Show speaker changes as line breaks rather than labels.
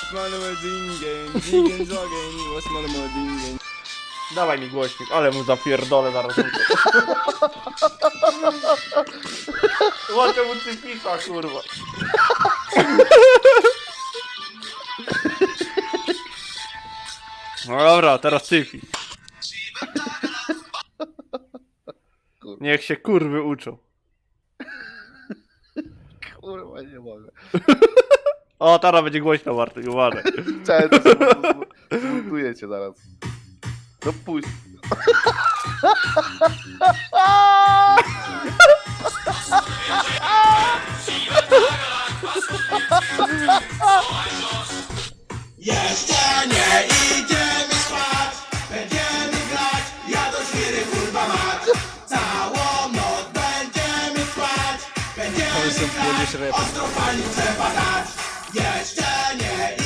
Dawaj mi głośnik, ale mu zapierdolę zaraz. Łaczę mu cypisa, kurwa. No dobra, teraz cyfis. Niech się kurwy uczą.
Kurwa, nie mogę.
O, teraz będzie głośno, Bartek, uważaj.
Cześć, to zmontuję cię zaraz. No puść.
Jeszcze nie idziemy spać, będziemy grać, ja do świry kurwa mać. Całą noc będziemy spać, będziemy grać, ostro palić